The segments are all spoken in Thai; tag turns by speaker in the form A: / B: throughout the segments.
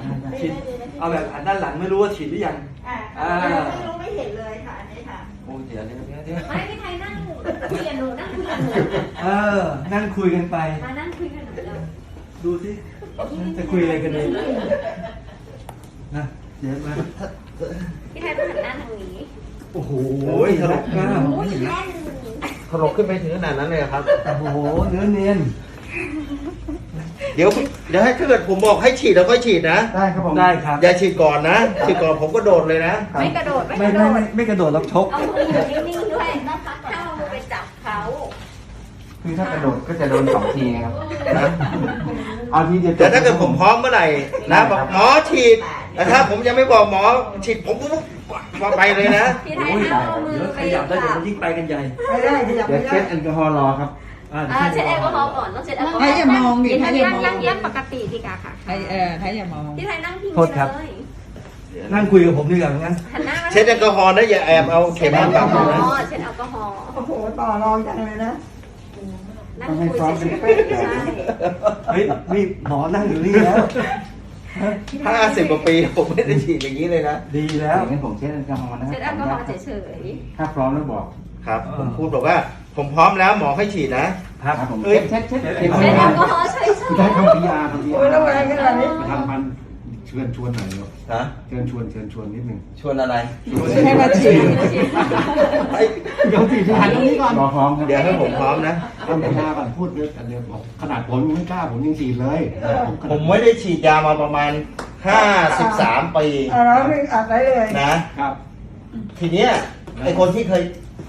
A: ฉีดเอาแบบอันด้านหลังไม่รู้ว่าฉีดหรือยัง
B: ไม่เห็นเลยค่ะอันนี้ค่ะ
A: โอ้เดี๋ยว
C: ไม่พี่ไทยนั่งคุยกับหนูนั่งคุยกับหนู
A: นั่งคุยกันไป
C: มานั่งคุยกับหนูเลย
A: ดูสิจะคุยอะไรกันเลยนะเดี๋ยวมา
C: พี่ไทยต้องหันหน้าทางนี้
A: โอ้โหทะลุกล้าม
D: ถลกขึ้นไปถึงขนาดนั้นเลยครับ
A: โอ้โหเนื้อเนียน
D: เดี๋ยวให้ถ้าเกิดผมบอกให้ฉีดแล้วค่อยฉีดนะ
A: ได้ครับผมได้ครับ
D: อย่าฉีดก่อนนะฉีดก่อนผมก็โดดเลยนะ
C: ไม่กระโดด
A: ไม่กระโดดแล้วชก
C: เอามืออยู่นิ่งๆด้วยนะคะถ้าเอามือไปจับเขา
E: คือถ้ากระโดดก็จะโดน2 ทีครับเอาทีเดียว
D: แต่ถ้าเกิดผมพร้อมเมื่อไหร่นะบอกหมอฉีดแต่ถ้าผมยังไม่บอกหมอฉีดผมก็ไปเลยนะ
C: พี่ไทยเอามือไป
A: ขยับได้เดี๋ยวยิ่งไปกันใหญ่
B: ไม่ได้ขยับไม่ได้
E: เช็ดแอลกอฮอล์รอครับ
C: เช็ดแอลกอฮอล์ก่อนต้องเช็ดแอลกอฮอล์
B: ให้อย่ามองดิให้อย่ามอง
C: นั่งปกติดีกว่าค่ะ
B: ให้อย่ามอง
C: พี่ไทยนั่งพิงเลย
A: นั่งคุยกับผมดีกว่างั้น
D: เช็ดแอลกอฮอล์นะอย่าแอบเอาเข็มมาปักนะ
C: เช็ดแอลกอฮอล์
B: โอ้โหต่อรองจังเลยนะ
C: นั่งคุยเฉยๆใช่
A: เฮ้ยนี่หมอนั่งอยู่นี่แล้ว
D: 50 กว่าปีผมไม่ได้ฉีดอย่างนี้เลยนะ
A: ดีแล้ว
E: งั้นผมเช็ดแอลกอฮอล์นะ
C: เช็ดแอลกอฮอล์เฉย
E: ถ้าพร้อมแล้วบอก
D: ครับผมพูดบอกว่าผมพร้อมแล้วหมอให้ฉีดนะครับ
E: ผมเช็ด
C: แอลกอฮอล์เฉยๆ
E: ได้ทำ PR
B: โอ้ยแล้วอะไรกันล่ะนี่
E: ทำมันเชิญชวนหน่อยเนาะ
D: ฮะ
E: เชิญชวนนิดนึง
D: ชวนอะไร
B: ให้มาฉีด
E: เดี๋ยวฉีดหันตรงนี้ก่อนรอพร้อมครับ
D: เดี๋ยวให้ผมพร้อมนะ
E: ทำ PR ก่อนพูดเยอะกันเดี๋ยวบอกขนาดผมยังไม่กล้าผมยังฉีดเลย
D: ผมไม่ได้ฉีดยามาประมาณ53 ปี
B: แล้วไม่อัดได้เลย
D: นะครับทีเนี้ยไอคนที่เคย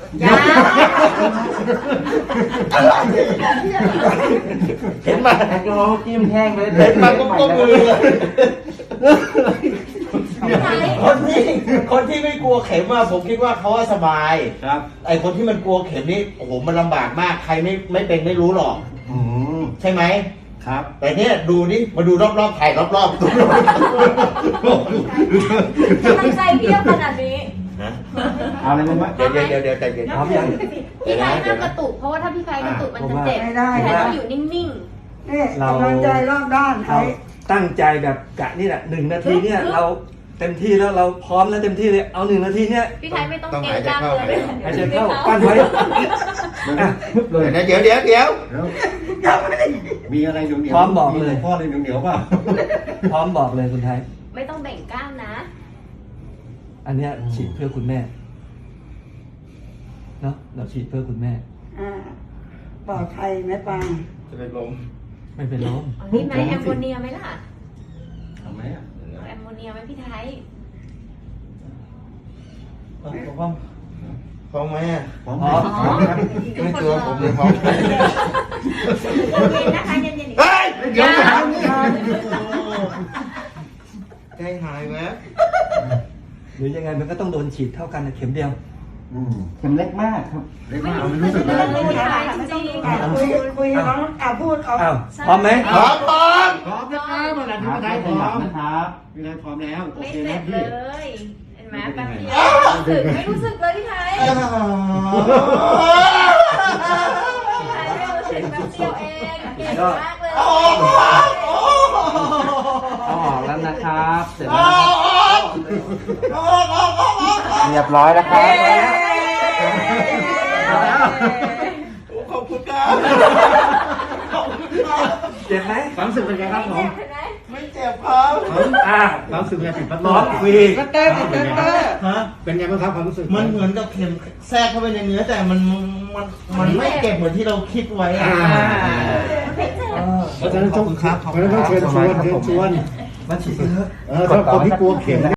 D: เห็นมา
E: แอลกอฮอล์จิ้มแห้งเลย
D: เห็นมาก็มือคนที่ไม่กลัวเข็มผมคิดว่าเขาสบาย
E: ครับ
D: ไอคนที่มันกลัวเข็มนี่โอ้โหมันลำบากมากใครไม่เป็นไม่รู้หรอกใช่ไหม
E: ครับ
D: แต่เนี้ยดูนี่มาดูรอบๆถ่ายรอบๆตัว
C: กำลังใจเพียบขนาดนี้
E: เอาอะไรมา
D: เดี๋ยวใจเย็น
A: พร้อมยัง
C: พี่ไทยห้ามกระตุกเพราะว่าถ้าพี่ไทยกระตุกมันจะเจ็บพี่ไทยต้องอยู่นิ่ง
B: ๆนี่กำลังใจรอบด้าน
A: เราตั้งใจแบบกะนี่แหละ1 นาทีเนี่ยเราเต็มที่แล้วเราพร้อมแล้วเต็มที่เลยเอา1 นาทีเนี่ย
C: พี่ไทยไม่ต้องเกรงกล้ามเลย
A: หายใจเข้าปั้นไว้
D: เลยนะเดี๋ยว
E: มีอะไรเหนียว
A: พร้อมบอกเลย
E: พ่อเลยเหนียวเปล่า
A: พร้อมบอกเลยคุณไทย
C: ไม่ต้องแบ่งกล้ามนะ
A: อันเนี้ยฉีดเพื่อคุณแม่เนาะเราฉีดเพื่อคุณแม่
B: ปลอดภัยไหมปัง
D: จะเป็นลม
A: ไม่เป็นลม
C: นี่ไหมแอมโมเนียไหมล่ะ
E: ทำไหม
C: แอมโมเนียไหมพี่ไทย
D: พร้อมไหม
E: พร้อม
D: ไม่ตัวผมเลยพร้อม
C: เย็นนะคะเย็น
D: เฮ้ยเดี๋ยวใจหายไหม
A: หรือยังไงมันก็ต้องโดนฉีดเท่ากันนะเข็มเดียว
E: เข็มเล็กมากครับเล็กมาก
C: ไม่รู้สึกเลย
B: คุยน้องพูดเอา
A: พร้อมไหม
D: พร้อม
E: นะครับเมื่อไหร่ที่ไม่ได้พร้อมนะครับไม่ได้พร้อมแล้วโอเคนะพี่
C: เลยเห็นไหมแป๊บเดียวไม่รู้สึกเลยพี่ไทยพี่ไทยไม่รู้สึกแป๊บเดียวเองเก่งมากเลย
E: เอาออกแล้วนะครับเสร็จแล้วเรียบร้อยแล้วครับ
D: ขอบคุณครับ
A: เจ็บไหม
E: ความรู้สึกเป็นไงครับผม
D: ไม่เจ็บครับ
E: ความรู้สึกเป็นไงติดพัดล
A: ร้อ
E: ม
A: นคุย
E: เป็นไงบ้างครับความรู้สึก
D: มันเหมือนกับเข็มแทรกเข้าไปในเนื้อแต่มันไม่เจ็บเหมือนที่เราคิดไว้
E: เพราะฉะนั้นต้องเชิญชวน
A: มาฉีดเถอะ
E: ถ้าคนที่กลัวเข็ม